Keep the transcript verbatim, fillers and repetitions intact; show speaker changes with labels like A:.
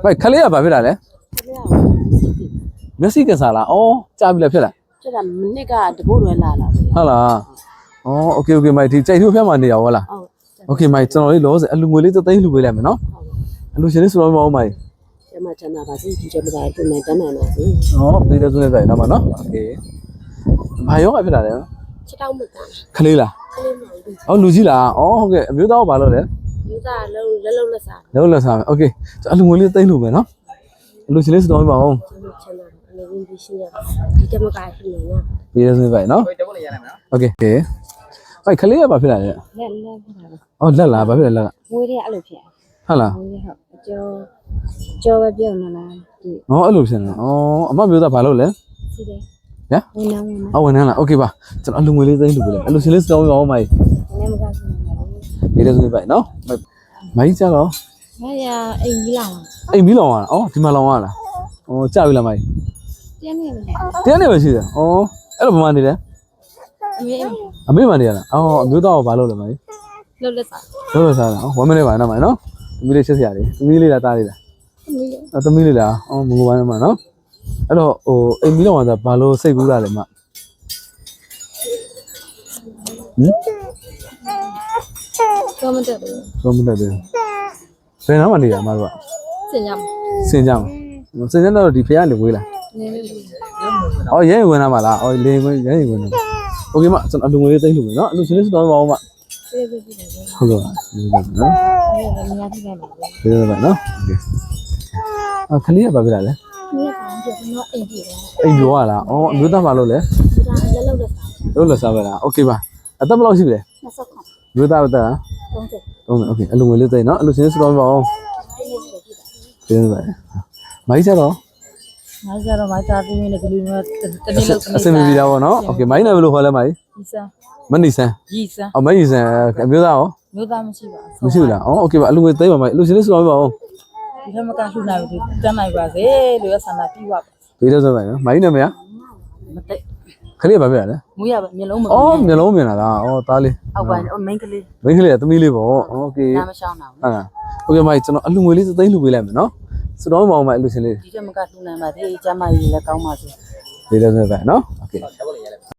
A: မိုက်ခလေးကဘာဖြစ်တာလဲမျက်စိကစားလားအော်ကြားပြီလားဖြစ်လား
B: ကျတာမနစ်ကတပုတ်လွယ်လာလာ
A: ဟုတ်လားအော်โอเคโอเคမိုက်ဒီကြိုက်ထိုးဖျက်မှာနေရဟုတ်လားโอเคမိုက်ကျွန်တော်လေးလောဆယ်အလူငွေလေးသိန်းလှူပေးလိုက်မယ်နော်အလူရှင်လေးဆိုတော့မအောင်မိုက်
B: ကျမချမ်းသာပါစေဒီကျမသာတွေ့နေတန်းနိုင်ပါစေ
A: ဟောပေးတဲ့စုနဲ့ဆိုင်တော့မှာနော်โอเคဘာရောဖြစ်တာလဲ
B: ချစ်တောင်းမက
A: ခလေးလား
B: ခလေးမဟုတ်
A: အော်လူကြီးလားအော်ဟုတ်ကဲ့အမျိုးသားကဘာလုပ်လဲ
B: မျိုးသားလုံးလက်လုံးလက်စား
A: လုံးလက်စားမယ်โอเคအလူငွေလေးသိန်းလှူမယ်နော်အလူရှင်လေးဆိုတော့မအောင်
B: ချမ်းသာအနေနဲ့ဒီရှိရဒီကျမကရှိနေနော်
A: ပေးတဲ့စုနဲ့ဆိုင်နော်โอเคโอเคမိုက်ခလေးကဘာဖြစ်တာလဲ
B: လက်လက်ဖြစ်တာ
A: အော်လက်လားဘာဖြစ်လဲလက်က
B: ငွေတွေအဲ့လိုဖြစ်
A: ဟုတ်လား
B: ငွေတွေဟုတ်အကျော်ကျော်ပဲပြုံးနေလားဒီ
A: ဟောအဲ့လိုဖြစ်နေဩအမမျိုးသားဘာလုပ်လဲ
B: စီတယ်
A: ညာ
B: ဝင်နေဝင်နေ
A: အော်ဝင်နေလားโอเคပါကျွန်တော်အလူငွေလေးသိန်းလှူပေးလိုက်အလူရှင်လေးစတောင်းရောမိုက်
B: နေမကရှိနေပါဘူး
A: ပေးတဲ့စုနဲ့ဆိုင်နော်မိုက်ကြတော့
B: မရအိမ်ကြီးလောင်
A: အိမ်မီးလောင်ရတာဩဒီမှာလောင်ရလားဩကြပြီလားမိုက်
B: တင်းနေတယ်
A: တင်းနေပဲရှိတယ်ဩအဲ့လိုဘာမှနေလဲ
B: အမေ
A: အမေမှနေရလားအော်အမျိုးသားကဘာလုပ်လဲမိုက်
B: လှုပ်လက်စား
A: လှုပ်လက်စားလားဩone minuteပါနော်မိုက်နော်သမီးလေးချစ်စရာလေးသမီးလေးလားတားလေးလား
B: သမီးလေး
A: အသမီးလေးလားအော်မငိုပါနဲ့မနော်အဲ့တော့ဟိုအိမ်မီးလောင်ရတာဘာလို့စိတ်ကူးတာလဲမဟင်
B: ကောမတက်တယ်
A: ကောမတက်တယ်ဘယ်နားမှာနေရမှာတို့က
B: စင်ကြမ
A: စင်ကြမှာစင်ကြတော့ဒီဖះနေဝေးလား
B: နေနေ
A: အော်ရဲဝင်လာမှာလားအော်လေဝင်ရဲဝင်လာโอเคမကျွန်တော်အလူငွေလေးသိမ်းလို့မယ်နော်အလူရှင်လေးစတော့ပါအောင်မ
B: ပြေးပြေးပြေး
A: ဟုတ်ကဲ့ဟုတ်ကဲ့နော်
B: နေရာထိခဲ့ပါဘူး
A: ပြေးပါနော်โอเคအာခလေးကဘာဖြစ်လာလဲ
B: နေရာကကျွန်တော်အိမ်ပြေးတယ်
A: အိမ်ပြောရလားအော်အမျိုးသားမလုပ်လဲ
B: ဒါလက်လောက်လက်စား
A: လုပ်လက်စားပဲလားโอเคပါအသက်ဘယ်လောက်ရှိပြီလဲ
B: နှစ်ဆခွန်
A: မျိုးသားအသက်
B: သုံးဆယ်
A: သုံးဆယ်โอเคအလူငွေလေးသိမ်းနော်အလူရှင်လေးစတော့ပါအောင်ပြေးပါမိုက်ကြတော့
B: မိုင်းကြတော့မိုင်းသားပြီးနေဒီလိုမျိုးတနေ့လောက်
A: အစင်မပြေတာပေါ့နော်โอเคမိုင်းနယ်ဘယ်လိုခေါ်လဲမိုင်း
B: ဒီစမ်း
A: မနီဆန်
B: ကြီးစမ်း
A: အော်မနီဆန်အမျိုးသားရော
B: မျိုးသားမရှိပါ
A: ဘူးမရှိဘူးလားအော်โอเคပါအလူငွေသိမ်းပါမိုင်းအလူရှင်လေးစတော့ပါအောင်
B: ဒီထက်မကလှူနိုင်ဘူးတန်းနိုင်ပါစေလို့ရဆန္ဒပြီးပါ
A: ပြေးတော့ဆိုပါနော်မိုင်းနယ်မရ
B: မတိတ်
A: ခလေးကဘာဖြစ်လဲ
B: မူရပါမျိုးလုံးမ
A: အော်မျိုးလုံးမြင်လာတာအော်သားလေး
B: အောက်ပိုင်းမိန်းကလေး
A: မိန်းကလေးကသမီးလေးပေါ့โอเค
B: နားမရှောင်းတာ
A: ဟုတ်လားโอเคမိုင်းကျွန်တော်အလူငွေလေးသိမ်းလှူပေးလိုက်မယ်နော်စတော့မအောင်မိုင်းအလူရှင်လေး
B: ဒီထက်မကလှူနိုင်ပါသေးကျမကြီးလည်းကောင်းပါစေ
A: ပြေးတော့ဆိုပါနော်โอเค